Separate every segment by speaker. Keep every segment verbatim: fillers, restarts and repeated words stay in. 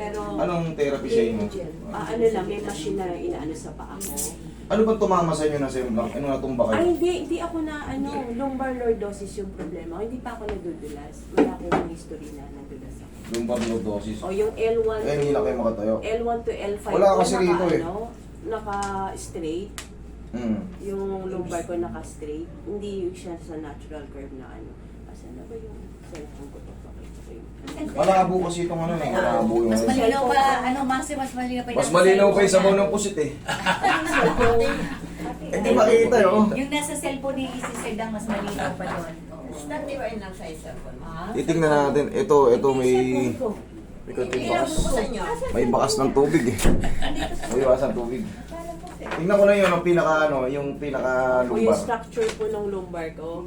Speaker 1: Pero,
Speaker 2: Anong therapy sa inyo?
Speaker 1: ah, ano lang, may machine na inaano sa paa ko.
Speaker 2: Ano bang tumama sa inyo na semblang? Ano natumba
Speaker 1: Ay,
Speaker 2: kayo?
Speaker 1: hindi, hindi ako na, ano, lumbar lordosis yung problema. Hindi pa ako nadudulas. Wala akong history na nadulas ako.
Speaker 2: Lumbar lordosis.
Speaker 1: O yung L one
Speaker 2: Eh, hindi na kayo makatayo.
Speaker 1: L one to L five
Speaker 2: Wala
Speaker 1: ko,
Speaker 2: kasi
Speaker 1: naka,
Speaker 2: rito eh.
Speaker 1: ano, naka-straight.
Speaker 2: Hmm.
Speaker 1: Yung lumbar ko naka-straight. Hindi siya sa natural curve na ano. Asa na ba yung cellphone ko to? Pakita ko yung...
Speaker 2: Malabo kasi itong ano eh. Malabo yung
Speaker 3: Mas
Speaker 2: ano.
Speaker 3: malinaw pa, ano, Masi, mas malinaw pa yung
Speaker 2: Mas
Speaker 3: nasa
Speaker 2: malinaw pa
Speaker 3: cellphone
Speaker 2: yung sabaw
Speaker 3: niya.
Speaker 2: ng pusit eh.
Speaker 1: Cellphone.
Speaker 2: Hindi makikita yun. oh.
Speaker 3: Yung nasa cellphone ni Isis Sedang, mas malinaw pa doon.
Speaker 4: Dati ba yun lang sa cellphone?
Speaker 2: Titingnan natin. Ito, ito may...
Speaker 1: Cellphone ko.
Speaker 2: May konting
Speaker 4: Ilang
Speaker 2: bakas.
Speaker 4: po sa inyo?
Speaker 2: May bakas ng tubig eh. May bakas ng tubig. Tingnan ko na yun, ang pinaka ano, yung pinaka
Speaker 1: O yung
Speaker 2: lumbar.
Speaker 1: structure po ng lumbar ko.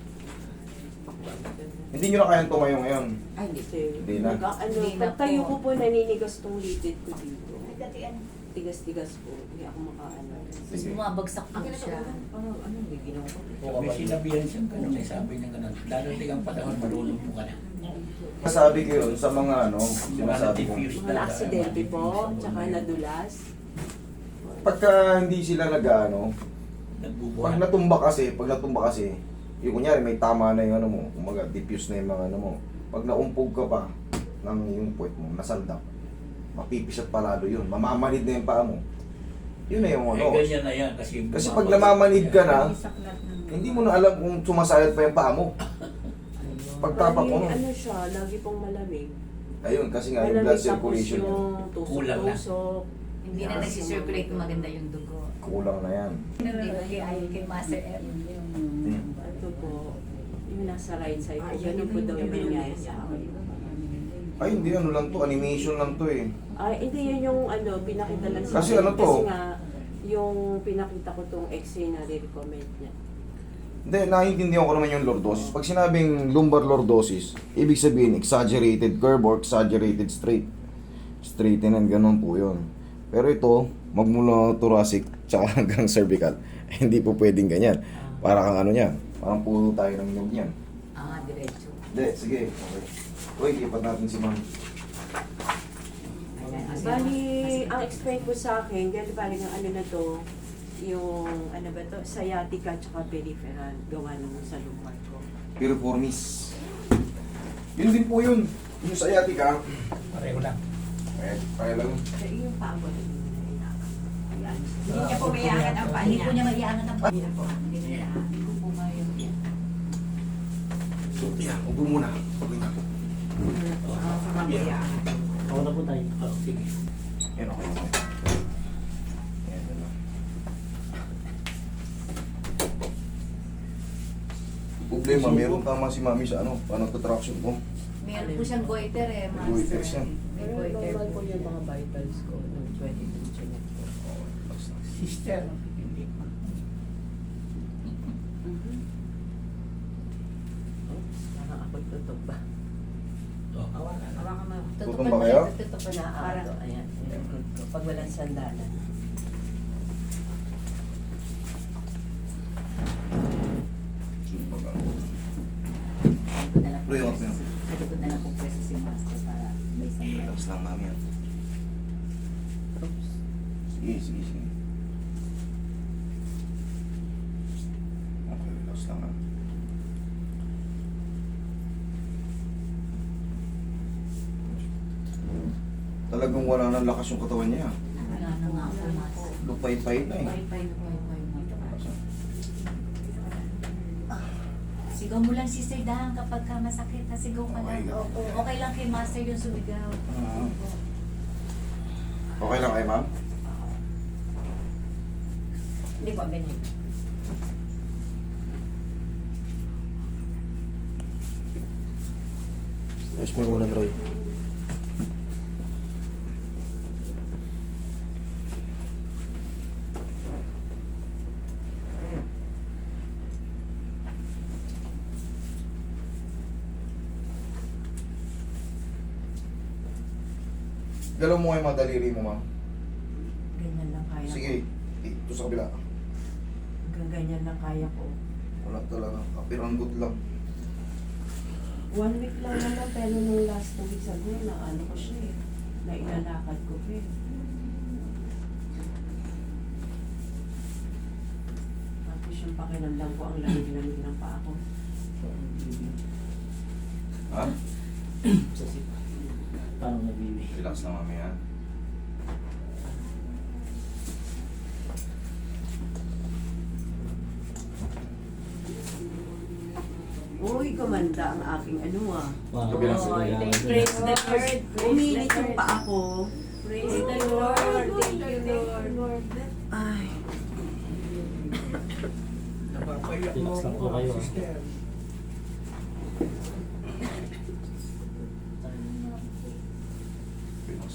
Speaker 2: Hindi nyo na kayang tumayo ngayon.
Speaker 1: Ay, hindi.
Speaker 2: Hindi na.
Speaker 1: Nag, ano,
Speaker 3: Hindi na
Speaker 1: pagtayo
Speaker 3: po.
Speaker 1: ko po, naninigas tong lipid ko dito. Tigas-tigas po. Hindi ako makaano.
Speaker 3: Tapos
Speaker 2: Sige.
Speaker 3: bumabagsak po siya.
Speaker 5: May sinabihan siyang ganun, eh, sabi niya ganun. Darating ang panahon, malulumpo ka na.
Speaker 2: Sabi ko yun sa mga ano, sinasabi ko.
Speaker 1: Mga aksidente po, tsaka nadulas.
Speaker 2: Pagka hindi sila nag-ano, pag
Speaker 5: Nagbubuhan.
Speaker 2: natumba kasi, pag natumba kasi, yung kunyari may tama na yung ano mo, kumaga diffuse na yung mga ano mo. Pag naumpog ka pa ng yung puwet mo, nasaldap, mapipisat palalo yun, mamamanid na yung paa mo. Yun na yung
Speaker 5: Eh,
Speaker 2: ano.
Speaker 5: ganyan na yan. Kasi,
Speaker 2: Kasi pag namamanid ka na, hindi mo na alam kung sumasayad pa yung paa mo. Pagtapak mo,
Speaker 1: Bali,
Speaker 2: no?
Speaker 1: ano siya, lagi pong malamig.
Speaker 2: Ayun, kasi nga yung
Speaker 1: Malamig
Speaker 2: blood
Speaker 1: tapos
Speaker 2: circulation niya.
Speaker 1: yung
Speaker 5: Kulang na.
Speaker 1: tusok-tusok.
Speaker 3: Hindi na nagsisirculate maganda yung dugo.
Speaker 2: Kulang na yan.
Speaker 3: Hindi ba kay ay kay Master M?
Speaker 1: Ito po, yung nasa right side ko, ganun po daw yung nangyari sa akin.
Speaker 2: Ay, hindi, ano lang to, animation lang to eh.
Speaker 1: Ay, hindi yun yung ano, pinakita lang sa
Speaker 2: Kasi
Speaker 1: akin.
Speaker 2: ano to?
Speaker 1: Kasi nga, yung pinakita ko tong x-ray na re-recommend niya.
Speaker 2: Hindi, naiintindihan ko naman yung lordosis. Pag sinabing lumbar lordosis, ibig sabihin exaggerated curve or exaggerated straight. Straighten and ganun po yun. Pero ito, magmula thoracic tsaka hanggang cervical, hindi po pwedeng ganyan. Para kang ano yan, parang puro tayo ng nyog yan.
Speaker 3: Ah, diretso.
Speaker 2: Hindi, sige. Okay. Uy, ipat natin si ma'am.
Speaker 1: Bali, ang explain po sa akin, dahil bali ng ano na to, yung ano ba to, sciatica tsaka peripheral, gawa nung sa lumbar ko.
Speaker 2: Piriformis. Yun din po yun. Yung sciatica.
Speaker 5: pareho lang.
Speaker 2: Eh, kaya lang.
Speaker 1: So, yung paa ko, hindi na Ayan.
Speaker 4: Hindi niya po mayangan ang paa
Speaker 3: Hindi
Speaker 4: niya.
Speaker 3: po niya maiangat ang
Speaker 1: Hindi na po. Hindi na
Speaker 3: Yeah.
Speaker 1: Hindi ko po ngayon yan.
Speaker 2: So, yan. Upo muna. Okay na.
Speaker 4: Ah, sa mamaya.
Speaker 5: Ako na po tayo. Oh, sige.
Speaker 2: Yan, okay. okay. Yan, yan lang. Problema, meron tama si mami sa ano, paano traction ko.
Speaker 3: Meron po siyang goiter eh, Master.
Speaker 2: Goiter siya.
Speaker 3: May
Speaker 1: Pero
Speaker 3: goiter
Speaker 1: normal
Speaker 3: po
Speaker 1: po yung mga vitals ko ng twenty-two chinek ko.
Speaker 5: Sister, hindi.
Speaker 1: Parang ako'y tutok ba?
Speaker 5: Oh, hawakan.
Speaker 4: Hawakan mo.
Speaker 2: Tutong ba kayo?
Speaker 3: Tutupan
Speaker 1: Pa na
Speaker 3: Parang,
Speaker 1: ako. Ayan. Yung good ko. Pag walang sandalan.
Speaker 3: Sabi ko na lang po
Speaker 2: Tuloy ako
Speaker 3: pwesto-
Speaker 2: sa'yo.
Speaker 3: sabi ko na lang po pwesto si Master para may sandalan.
Speaker 2: Relax lang mami yan.
Speaker 1: Oops.
Speaker 2: Sige, sige, sige. Okay, relax lang ha. Talagang wala nang lakas yung katawan niya.
Speaker 3: Wala na nga po, Master.
Speaker 2: Lupay-pay na eh.
Speaker 3: Pay-pay na pay-pay na. Sigaw mo lang si Sir Dang kapag ka masakit na sigaw ka lang.
Speaker 2: Okay lang.
Speaker 3: Okay lang kay Master yung sumigaw.
Speaker 2: Ah. Okay lang kay ma'am?
Speaker 4: Hindi po, ganyan.
Speaker 2: Ayos mo muna, Troy. Galaw mo kayo mga daliri mo, ma'am.
Speaker 1: Ganyan lang kaya ko.
Speaker 2: Sige, ito sa kabila.
Speaker 1: Hanggang ganyan lang kaya ko.
Speaker 2: Wala talaga, kapiranggot lang.
Speaker 1: One week lang naman, pero nung last two weeks ago, na ano ko siya eh. ilalakad ko, eh. Tapos yung pakiramdam ko, ang lamig-lamig ng paa ko.
Speaker 2: Ha?
Speaker 5: Sa sit. Parang nabibi.
Speaker 2: Relax na mamaya.
Speaker 1: Uy, kumanda ang aking ano ah.
Speaker 5: Wow.
Speaker 2: Kabilang
Speaker 1: Oh,
Speaker 2: sila.
Speaker 1: praise the Lord. Uminit yung paa ko.
Speaker 4: Praise the Lord. Thank you, Lord.
Speaker 1: Ay.
Speaker 5: Napapayak mo
Speaker 6: Relax lang po
Speaker 5: ako,
Speaker 6: kayo, ah.
Speaker 5: sister.
Speaker 2: Relax.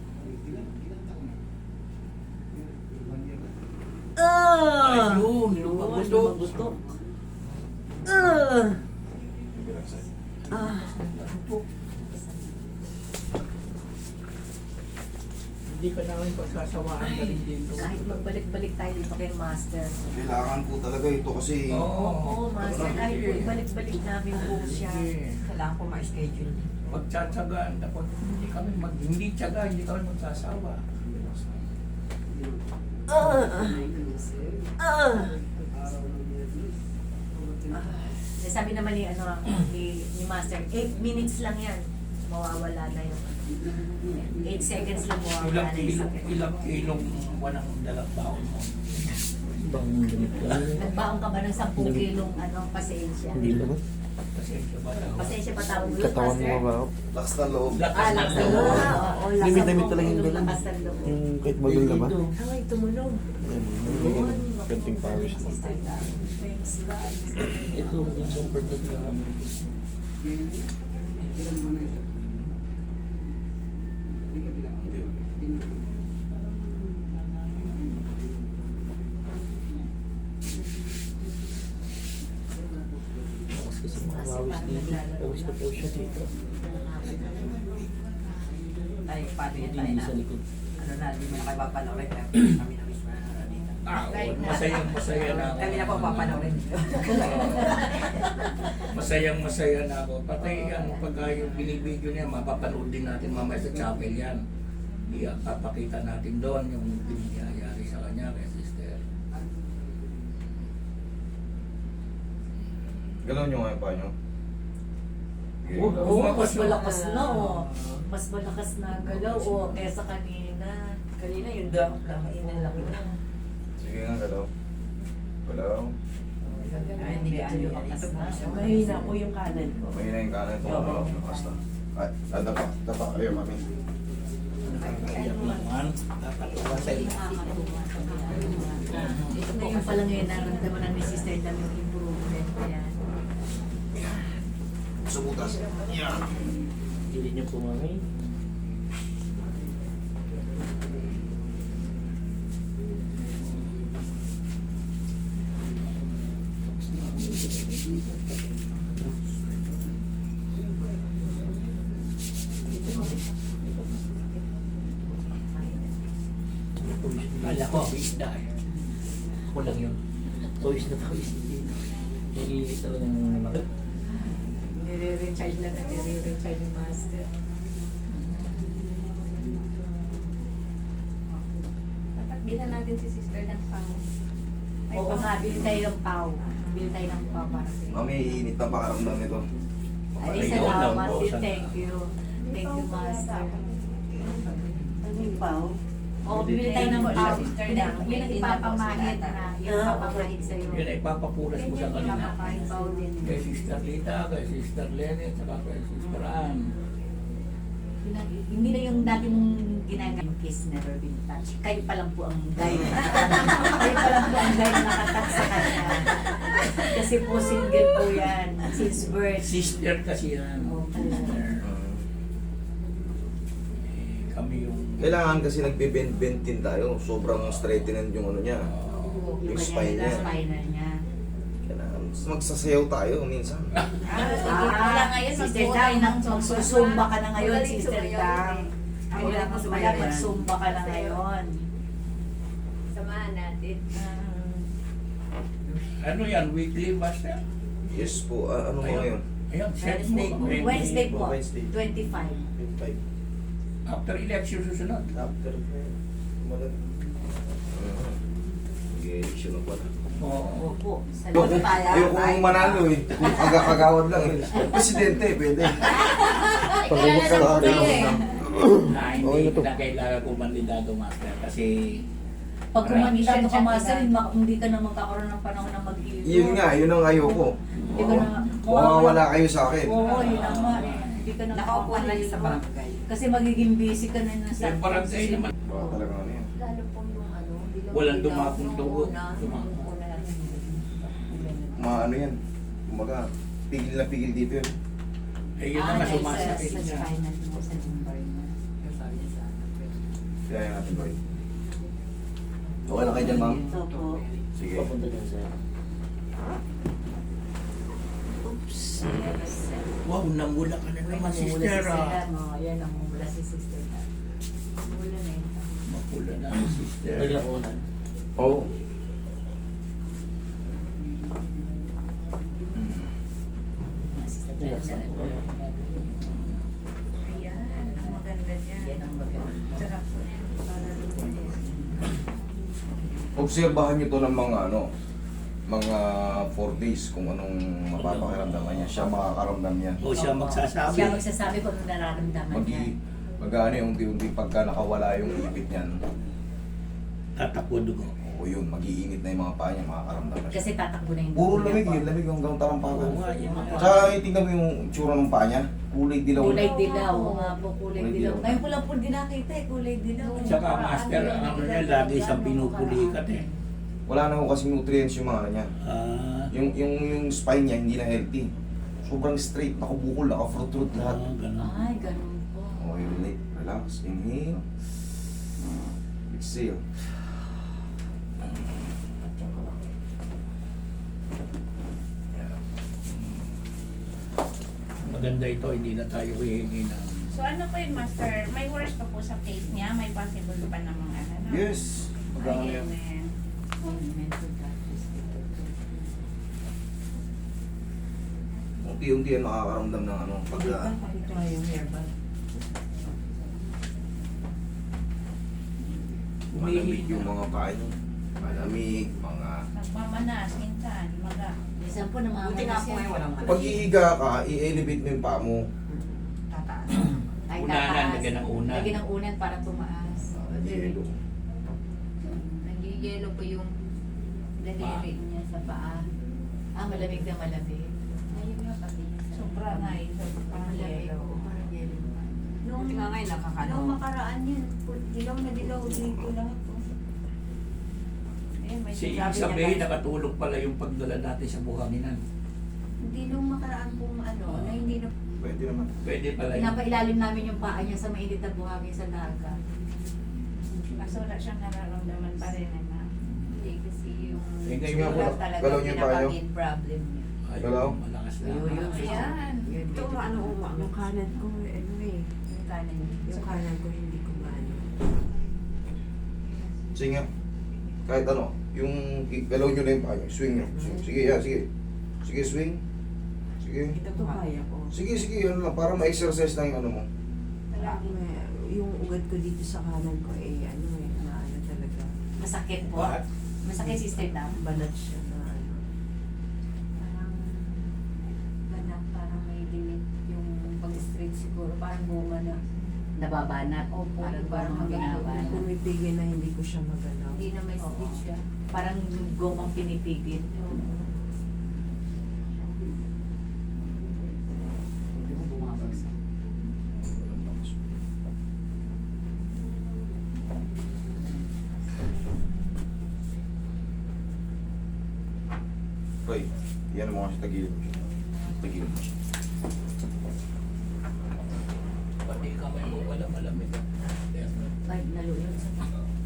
Speaker 1: Ah!
Speaker 5: Ayun,
Speaker 1: Yun,
Speaker 5: lumabundok.
Speaker 1: lumabundok. Ah!
Speaker 2: Relax.
Speaker 1: Ah!
Speaker 5: Hindi ka namin pagsasawaan ka rin dito.
Speaker 3: Kahit magbalik-balik tayo dito kay Master.
Speaker 2: Kailangan po talaga ito kasi
Speaker 5: Oo.
Speaker 3: Oo, Master. Kahit po ibalik-balik namin po siya.
Speaker 5: Sige.
Speaker 4: Kailangan ko ma-schedule.
Speaker 5: Magtsatsagaan tapos hindi kami mag hindi tsaga, hindi kami magsasawa.
Speaker 1: Ah! Ah!
Speaker 3: Eh, sabi naman ni, ano, ni, ni Master, eight minutes lang yan. Mawawala na yung eight seconds lang mawawala
Speaker 5: Ilang
Speaker 3: na yung
Speaker 5: kilo,
Speaker 3: sakit.
Speaker 5: ilang kilong walang dalang baon mo.
Speaker 6: Bang ganit ka.
Speaker 3: Nagbaon ka ba ng ten kilong ano, pasensya?
Speaker 6: Hindi naman.
Speaker 5: Pasensya ba daw?
Speaker 3: Pasensya pa tawag yun,
Speaker 6: Katawan mo
Speaker 3: Master?
Speaker 6: ba ako?
Speaker 2: lakas ng loob.
Speaker 5: Lakas
Speaker 3: Ah,
Speaker 5: ng
Speaker 3: lakas ng
Speaker 5: loob.
Speaker 3: loob. Oo, lakas
Speaker 6: Limit-limit
Speaker 3: ng
Speaker 6: talaga yung
Speaker 3: loob,
Speaker 6: ganun.
Speaker 3: lakas ng loob.
Speaker 6: Yung kahit magul na ba?
Speaker 1: Ay, tumunog.
Speaker 6: Ayan, yung kanting pawis mo.
Speaker 3: Sister Dan, thanks God.
Speaker 6: Ito, yung comfort na lang. Tapos kasi mga pawis dito. Pawis na po siya dito.
Speaker 4: Ay, paano yun tayo
Speaker 6: Hindi
Speaker 4: na?
Speaker 6: sa likod.
Speaker 4: Ano na, hindi mo na kayo papanoorin. Kaya kami na mismo na dito.
Speaker 5: Ah, oo, masayang masaya na ako.
Speaker 4: Kami na po papanoorin dito.
Speaker 5: Masayang masaya na ako. Patay yan, pag yung binibideo niya, mapapanood din natin mamaya sa chapel yan. Ipapakita natin doon yung nangyayari sa kanya kay sister.
Speaker 2: Galaw nyo nga yung paa nyo. Okay,
Speaker 5: Oo,
Speaker 2: galaw.
Speaker 3: Oo,
Speaker 5: Bumakas
Speaker 3: mas
Speaker 5: na.
Speaker 3: malakas na, oh. Mas malakas na galaw, oh, kesa kanina.
Speaker 4: Kanina yung dam, kakainin lang yun.
Speaker 2: Sige nga, galaw. Galaw.
Speaker 4: Ay, hindi ano yun. Ito po siya.
Speaker 1: Mahina po yung kanan ko.
Speaker 2: Mahina yung kanan ito. Galaw. Basta. Ay, ah, dapa. Dapa. Ayaw, mami.
Speaker 5: Iyak naman. Tatatawa sa iyo.
Speaker 3: Ito po yung pala ngayon naramdaman ng ni Sister Dam yung improvement. Ayan.
Speaker 2: Sa butas. Yan.
Speaker 6: Hindi niyo po mami.
Speaker 5: Kala ko, isda eh. Ako lang yun.
Speaker 6: Pawis na pawis. Naiinit talaga ng naman.
Speaker 3: Nire-recharge lang na nire-recharge yung Master.
Speaker 7: Dapat bilhan natin si Sister ng pang. Ay,
Speaker 3: Oo nga, bili tayo ng pau. Bili tayo ng pau para sa
Speaker 2: Mami, iinit na pakaramdam ito.
Speaker 3: Ay,
Speaker 5: Ayun,
Speaker 3: salamat
Speaker 5: oo,
Speaker 3: din.
Speaker 5: sana.
Speaker 3: Thank you. Thank you, Master.
Speaker 1: Ano yung pao?
Speaker 3: Oo, bibili tayo ng
Speaker 4: Ayun po,
Speaker 3: pau.
Speaker 4: Sister
Speaker 3: Yun
Speaker 4: Dam.
Speaker 3: ang- Yun ang ipapamahid na. Yun ang papamahid sa'yo.
Speaker 5: Yun ay papapulas mo sa kanila.
Speaker 3: Papamahid pau din.
Speaker 5: Kay Sister Lita, kay Sister Lenny, at saka kay Sister Ann.
Speaker 3: Yun ang- Hindi na yung dati mong ginagamit kiss, never been touched. Kayo pa lang po ang guide. Kayo pa lang po ang guide na nakatouch sa kanya. Kasi po single po yan. Since birth.
Speaker 5: Sister kasi yan.
Speaker 3: Oo,
Speaker 5: Sister. Eh, kami yung...
Speaker 2: Kailangan kasi nagbe-bend-bend din tayo. Sobrang straightened yung ano niya.
Speaker 3: Yung
Speaker 2: Yung
Speaker 3: kanya
Speaker 2: spine niya.
Speaker 3: spinal niya.
Speaker 2: Kailangan magsasayaw tayo minsan.
Speaker 7: Ah,
Speaker 3: Ah,
Speaker 7: ngayon,
Speaker 3: Sister
Speaker 7: magbuo
Speaker 3: Dam,
Speaker 7: tayo ng
Speaker 3: magsusumba ka na ngayon,
Speaker 7: Magaling
Speaker 3: Sister
Speaker 7: sumayaw
Speaker 3: Dam.
Speaker 7: eh.
Speaker 3: Ay,
Speaker 1: Wala
Speaker 3: wala
Speaker 1: ko
Speaker 3: ko
Speaker 1: sumayaw yan.
Speaker 3: magsumba ka na ngayon.
Speaker 7: Samahan natin.
Speaker 5: Ano yan? Weekly master?
Speaker 2: Yes po. Ah, ano mo
Speaker 5: Ayun.
Speaker 2: ngayon?
Speaker 5: Ayun, set mo.
Speaker 4: Wednesday po.
Speaker 5: Wednesday.
Speaker 3: Wednesday po,
Speaker 2: Wednesday.
Speaker 3: twenty-five.
Speaker 2: twenty-five.
Speaker 5: After election susunod.
Speaker 2: After, kumalag. Mag-election na pala.
Speaker 5: Oo.
Speaker 3: Opo. Sa
Speaker 2: Ayoko, ayoko kong manalo eh. Kung agak-agawad lang eh. Presidente, pwede. Pag-ubok sa akin.
Speaker 5: Na
Speaker 2: Okay
Speaker 5: hindi
Speaker 2: na to.
Speaker 5: na kailangan ko manlidado, master. Kasi
Speaker 3: Pag kumandidato ka, master, ma- hindi ka na magkakaroon ng panahon na mag-iwan.
Speaker 2: Yun nga, yun ang ayoko.
Speaker 3: Hindi ka na...
Speaker 2: Mawawala kayo sa akin.
Speaker 3: Oo, yun ang nga eh. Hindi ka na
Speaker 4: Nakaupo lang
Speaker 3: makakaiwan.
Speaker 4: sa barangay.
Speaker 3: Kasi magiging busy ka na nasa...
Speaker 5: yung barangay naman,
Speaker 2: Baka talaga ano yan.
Speaker 7: Lalo po yung ano, dilaw-
Speaker 5: walang
Speaker 7: dilaw
Speaker 5: dumapong
Speaker 7: nung
Speaker 5: dugo.
Speaker 7: una,
Speaker 5: Dumapong.
Speaker 7: nung una natin.
Speaker 2: Mga ano yan. Kumbaga, pigil na pigil dito yun.
Speaker 5: eh yun na nga sumasakit
Speaker 3: sa
Speaker 5: niya.
Speaker 3: spinal mo, sa lumbar niya.
Speaker 4: Yung sabi niya sa anak ko.
Speaker 2: Kaya natin boy. Okay na kayo dyan, ma'am?
Speaker 3: Ito po.
Speaker 2: Sige.
Speaker 6: Papunta dyan sa...
Speaker 3: Oops.
Speaker 5: Wow, namula ka na naman,
Speaker 3: Namumula si
Speaker 5: sister.
Speaker 3: Sir,
Speaker 5: ah.
Speaker 3: ano, yan, namumula si sister. Namumula na yun.
Speaker 5: Mapula na ang sister.
Speaker 6: Naglakunan.
Speaker 2: Oo.
Speaker 3: Sister,
Speaker 7: Ayan, ang maganda niya.
Speaker 3: yan ang maganda.
Speaker 7: Sarap po yan. Para lumabas.
Speaker 2: Obserbahan nyo to ng mga ano, mga four days kung anong mapapakiramdaman niya. Siya makakaramdam niya.
Speaker 5: O siya magsasabi.
Speaker 3: Siya magsasabi kung anong nararamdaman
Speaker 2: Mag
Speaker 3: niya.
Speaker 2: mag-ano yung unti-unti pagka nakawala yung ipit niyan.
Speaker 5: Tatakbo dugo.
Speaker 2: O yun, mag-iinit na yung mga paa niya, makakaramdam na siya.
Speaker 3: Kasi tatakbo na yung
Speaker 2: Puro
Speaker 3: dugo
Speaker 2: lamig
Speaker 3: niya
Speaker 2: yun,
Speaker 3: po.
Speaker 2: lamig hanggang talampakan.
Speaker 5: Oo nga, yun nga.
Speaker 2: Tsaka tingnan mo yung tsura ng paa niya, kulay dilaw.
Speaker 3: Kulay dilaw. Oo nga po, kulay
Speaker 2: Kulay
Speaker 3: dilaw.
Speaker 2: dilaw.
Speaker 3: Ngayon ko lang po din nakita eh, kulay dilaw.
Speaker 5: Tsaka master, ano niya, lagi siyang pinupulikat eh.
Speaker 2: Wala na ho kasi nutrients yung mga ano niya.
Speaker 5: Ah,
Speaker 2: Yung, yung, yung spine niya hindi na healthy. Sobrang straight, nakabukol, naka-fruit-root lahat.
Speaker 5: ah, ganun.
Speaker 3: Ay, ganun po.
Speaker 2: Okay, relate. Relax. Inhale. Exhale.
Speaker 5: Maganda ito, hindi na tayo hihingi ng...
Speaker 8: So ano po yun, Master? May worse pa po sa face niya? May possible pa namang ano? no?
Speaker 2: Yes. Maganda yan.
Speaker 8: Ayan.
Speaker 3: Mental practice.
Speaker 2: Unti-unti yan makakaramdam ng ano. Pagka
Speaker 1: Pakita nga yung hairband.
Speaker 2: malamig yung mga paa niyo. Malamig, mga...
Speaker 8: Nagmamanas, minsan, maga.
Speaker 3: Minsan po
Speaker 4: Buti nga
Speaker 3: namamanas
Speaker 4: po ngayon
Speaker 3: yan.
Speaker 4: walang
Speaker 2: Pag ihiga ka, i-elevate mo yung paa mo.
Speaker 4: tataas.
Speaker 3: Ay,
Speaker 5: Unanan,
Speaker 3: tataas.
Speaker 5: lagyan ng unan.
Speaker 3: Lagyan ng unan para tumaas.
Speaker 2: Yelo.
Speaker 7: Nag-yellow po yung daliri niya sa paa.
Speaker 3: Ah, malamig na malamig.
Speaker 7: Ayun nga pati.
Speaker 8: Sobra nga eh. So, parang
Speaker 3: Malamig.
Speaker 8: yellow.
Speaker 3: Oo, parang yellow.
Speaker 7: Nung,
Speaker 4: Buti nga ngayon nakakano.
Speaker 7: nung makaraan yun, pu- dilaw na dilaw dito lahat po.
Speaker 8: Eh, may
Speaker 5: Si
Speaker 8: sinabi
Speaker 5: Isabel,
Speaker 8: niya,
Speaker 5: nakatulog pala yung pagdala natin sa buhanginan.
Speaker 7: Hindi nung makaraan pong ano, na hindi na
Speaker 2: Pwede naman.
Speaker 5: Pwede pala yun.
Speaker 3: Pinapailalim namin yung paa niya sa mainit na buhangin sa dagat.
Speaker 8: Kaso wala siyang nararamdaman pa rin. Ano?
Speaker 7: hindi kasi yung
Speaker 5: Eh, ngayon
Speaker 2: nga po,
Speaker 7: sugat talaga
Speaker 2: galaw niyo yung paa niyo.
Speaker 7: pinaka-main problem niya.
Speaker 5: Ayun,
Speaker 2: Hello?
Speaker 5: malakas na.
Speaker 3: Ayun, yun.
Speaker 8: Ayan.
Speaker 3: Yun,
Speaker 1: Ito,
Speaker 3: yun.
Speaker 1: ano, uma, yung kanan ko, ano eh.
Speaker 7: Yung kanan niya.
Speaker 1: Yung kanan ko hindi ko maano.
Speaker 2: Sige nga. Kahit ano, yung galaw nyo na yung paa nyo. Swing nyo. Swing. Sige, yan, sige. Sige, swing. Sige.
Speaker 1: Ito to kaya ko.
Speaker 2: Sige, sige, ano lang. Para ma-exercise lang yung ano mo.
Speaker 1: Wala akong, eh, yung ugat ko dito sa kanan ko eh, ano eh, maano talaga.
Speaker 3: Masakit po.
Speaker 5: What?
Speaker 3: Masakit sister na.
Speaker 1: Balat siya na ano.
Speaker 7: Parang ganap, parang may limit yung pag-straight siguro. Parang bunga na.
Speaker 3: Nababanat.
Speaker 7: Opo,
Speaker 3: Parang,
Speaker 7: parang
Speaker 3: parang
Speaker 7: hanggang
Speaker 3: binabanat.
Speaker 1: Pumipigil na hindi ko siya magalaw.
Speaker 7: Hindi na may
Speaker 3: Oo.
Speaker 7: stitch siya.
Speaker 3: Parang gomang pinipigil. Hindi mo bumabagsak.
Speaker 2: Roy, yan mo kasi tagilid mo siya. Tagilid mo siya.
Speaker 5: Pati kamay mo wala malamig.
Speaker 3: Ay, nalulod sa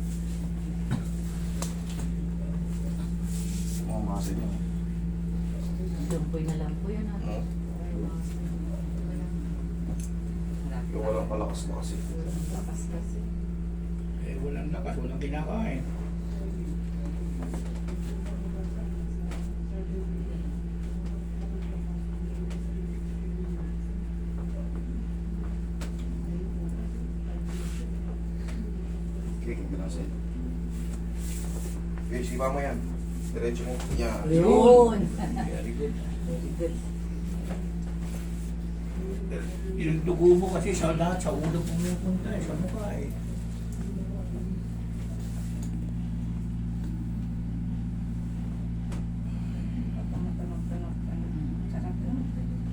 Speaker 2: Mga muscle niya.
Speaker 3: lampoy na lampoy yun.
Speaker 2: No? Yung walang palakas na kasi.
Speaker 7: Lakas kasi.
Speaker 5: Eh, walang lakas, walang kinakain.
Speaker 2: Sige, hindi lang sa'yo. Okay, sipa mo yan. Diretso mo. Yan.
Speaker 3: Yun.
Speaker 5: Very good.
Speaker 3: Very good.
Speaker 5: Yung dugo mo kasi sa lahat, sa ulo pumupunta eh, sa mukha eh.
Speaker 8: Tunog-tunog-tunog. Sarap yun.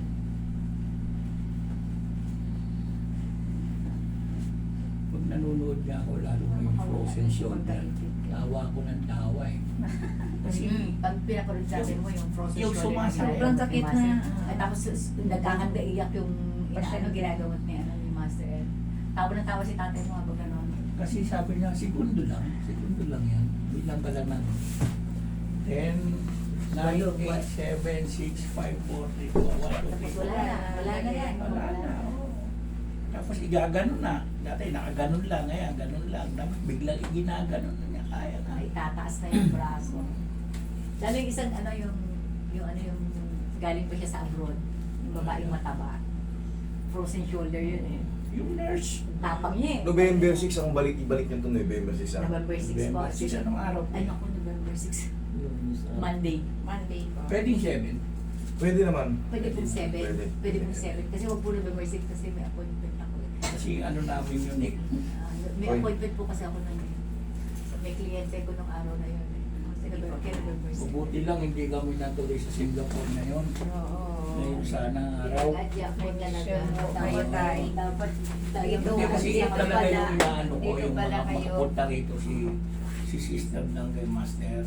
Speaker 5: Pag nanonood niya ako, lalo na yung frozen shoulder, tawa ko ng tawa eh. Kasi,
Speaker 3: Mm, pag pinapanood sa atin mo yung frozen
Speaker 5: Yung
Speaker 3: shoulder,
Speaker 5: sumasakit.
Speaker 3: yung
Speaker 8: Sobrang sakit
Speaker 3: master.
Speaker 8: na.
Speaker 3: At tapos sus- nagkakanda iyak yung inaano ginagamot ni ano ni Master Ed. Tawa na tawa si tatay mo habang gano'n.
Speaker 5: kasi sabi niya, segundo lang, segundo lang yan. Bilang ka lang ng ten, nine, eight, seven, six, five, four, three, two, one, two,
Speaker 3: Tapos
Speaker 5: three.
Speaker 3: wala na, wala na yan.
Speaker 5: Wala na, oo. Tapos igaganon na. Dati nakaganon lang, ngayon ganon lang. Dapat biglang iginaganon na niya, kaya na.
Speaker 3: Ay, tataas na yung braso. Lalo yung isang ano yung, yung ano yung galing pa siya sa abroad. Yung babaeng mataba. Frozen shoulder yun eh.
Speaker 5: Yung nurse,
Speaker 3: Tapang niya eh.
Speaker 2: November six, ang balik, ibalik niyo to November six. ah.
Speaker 3: November six po.
Speaker 5: November six, anong araw?
Speaker 3: Ay naku, November six.
Speaker 6: Yung sa...
Speaker 3: Monday.
Speaker 8: Monday po.
Speaker 5: Pwedeng seven.
Speaker 2: Pwede naman.
Speaker 3: Pwede pong seven.
Speaker 2: Pwede.
Speaker 3: Pwede pong seven. Kasi wag po November six kasi may appointment ako eh.
Speaker 5: Kasi ano namin yun eh.
Speaker 3: Ah, may
Speaker 2: Oy.
Speaker 3: appointment po kasi ako nun eh. May kliyente ko nung araw na yun eh. Kasi November, kaya November six.
Speaker 5: Mabuti lang hindi kami natuloy sa Singapore na yun.
Speaker 8: Oo.
Speaker 5: Ngayon sana araw.
Speaker 3: Adya po talaga.
Speaker 8: Kayo tayo.
Speaker 3: Dapat
Speaker 8: Dito,
Speaker 5: Hindi kasi
Speaker 8: dito
Speaker 5: yun talaga
Speaker 8: pala.
Speaker 5: yung inaano ko,
Speaker 8: Dito
Speaker 5: yung
Speaker 8: pala
Speaker 5: mga
Speaker 8: kayo.
Speaker 5: makapunta rito si si sister ng kay Master.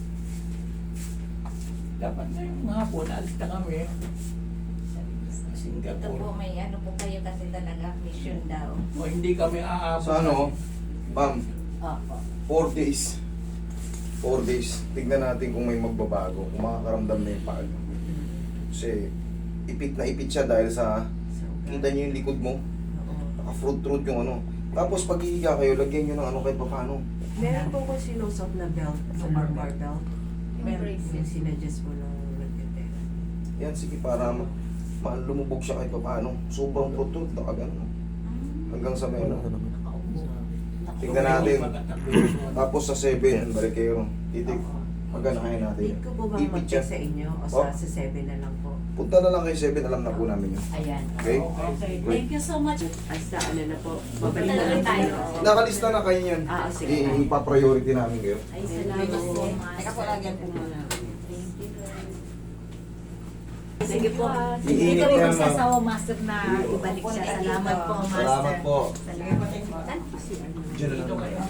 Speaker 5: Dapat na yung mga po, naalis na kami. Sa
Speaker 8: Ito po
Speaker 5: Singapore.
Speaker 8: may ano po kayo kasi talaga mission daw.
Speaker 5: O hindi kami aabot.
Speaker 2: Sa ano, bam,
Speaker 3: Opo.
Speaker 2: four days. Four days. Tignan natin kung may magbabago, kung makakaramdam na yung paa niyo. Kasi ipit na ipit siya dahil sa, kita niyo yung likod mo, naka-fruit-fruit yung ano. Tapos pag hihiga kayo, lagyan niyo ng ano kahit paano.
Speaker 1: Meron po ko sinusot na belt, lumbar bar belt.
Speaker 8: Yung
Speaker 1: Meron
Speaker 8: braces.
Speaker 1: yung sinadjust mo nung nagtitera.
Speaker 2: Yan, sige, para ma ma lumubog siya kahit paano. Sobrang fruit-fruit, nakagano. Hanggang sa meron.
Speaker 3: Nakaupo.
Speaker 2: Tingnan natin. Tapos sa seven, balik kayo. Titig. Magana kaya natin.
Speaker 1: Need ko po bang
Speaker 2: Ipit
Speaker 1: mag-check
Speaker 2: siya.
Speaker 1: sa inyo o
Speaker 2: Oh.
Speaker 1: sa, sa seven na lang po?
Speaker 2: Punta na lang kay seven, alam na po namin yun.
Speaker 3: Ayan.
Speaker 2: Okay?
Speaker 3: Okay. Thank you so much.
Speaker 1: Hasta ano na po, babalik na
Speaker 3: Tuloy
Speaker 1: lang
Speaker 3: tayo.
Speaker 1: tayo.
Speaker 2: Nakalista na kayo yan.
Speaker 1: Ah, sige.
Speaker 2: I- ipa-priority namin kayo.
Speaker 3: Ay, salamat po.
Speaker 1: Teka po, lagyan po muna.
Speaker 3: Thank you. Sige po. Hindi
Speaker 2: Iinit
Speaker 3: kami
Speaker 2: yan, ma'am.
Speaker 3: magsasawa, Master, na ibalik siya. Salamat po, Master.
Speaker 2: Salamat po.
Speaker 3: Salamat po.
Speaker 1: Si ano,
Speaker 2: Diyan na lang.